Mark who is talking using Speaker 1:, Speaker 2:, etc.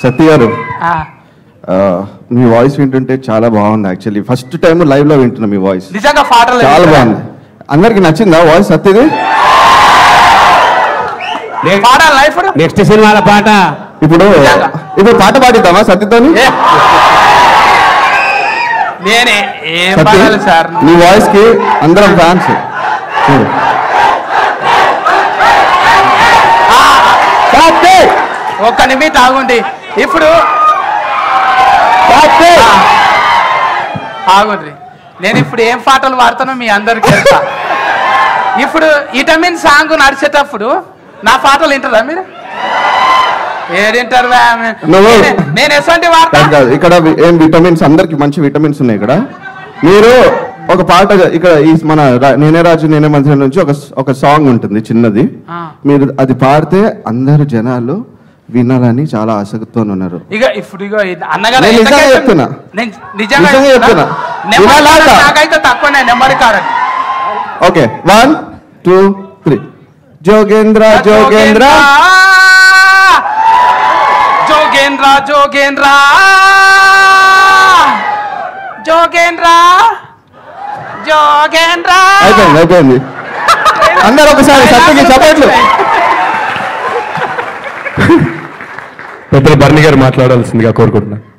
Speaker 1: సత్య గారు మీ వాయిస్ వింటుంటే చాలా బాగుంది. యాక్చువల్లీ ఫస్ట్ టైం లైవ్ లో వింటున్నా మీ వాయిస్.
Speaker 2: నిజంగా పాటలు
Speaker 1: చాలా బాగుంది. అందరికి నచ్చిందా వాయిస్ సత్యది?
Speaker 3: నెక్స్ట్ సినిమాల పాట
Speaker 1: ఇప్పుడు పాట పాడిద్దామా సత్యతోని?
Speaker 2: నేనే ఏం పాడాలి సార్?
Speaker 1: నీ వాయిస్ కి అందరం ఫ్యాన్స్.
Speaker 2: ఒక్క నిమిషం ఆగుండి. ఇప్పుడు ఆగుండ్రి, నేను ఇప్పుడు ఏం పాటలు పాడుతానో మీ అందరికి తెలుసా? ఇప్పుడు విటమిన్ సాంగ్ నడిచేటప్పుడు నా పాటలు వింటారా మీరు? ఏడింటారు? నేను ఎటువంటి వాడతా?
Speaker 1: ఇక్కడ ఏం విటమిన్స్, అందరికి మంచి విటమిన్స్ ఉన్నాయి ఇక్కడ. మీరు ఒక పాట ఇక్కడ ఈ మన నేనే రాజు నేనే మంత్రి నుంచి ఒక సాంగ్ ఉంటుంది చిన్నది. మీరు అది పాడితే అందరు జనాలు వినాలని చాలా ఆసక్తితో ఉన్నారు.
Speaker 2: ఇక ఇప్పుడు అన్నగారు
Speaker 1: చెప్తున్నా,
Speaker 2: నాకైతే తక్కువనే నెంబర్ కాదండి.
Speaker 1: ఓకే 1 2 3. జోగేంద్ర జోగేంద్ర
Speaker 2: జోగేంద్ర జోగేంద్ర జోగేంద్ర జోగేంద్ర.
Speaker 1: అయిపోయింది. అందరు ఒకసారి సత్యకి చప్పట్లు.
Speaker 3: పెద్దలు బర్ని గారు మాట్లాడాల్సిందిగా కోరుకుంటున్నాను.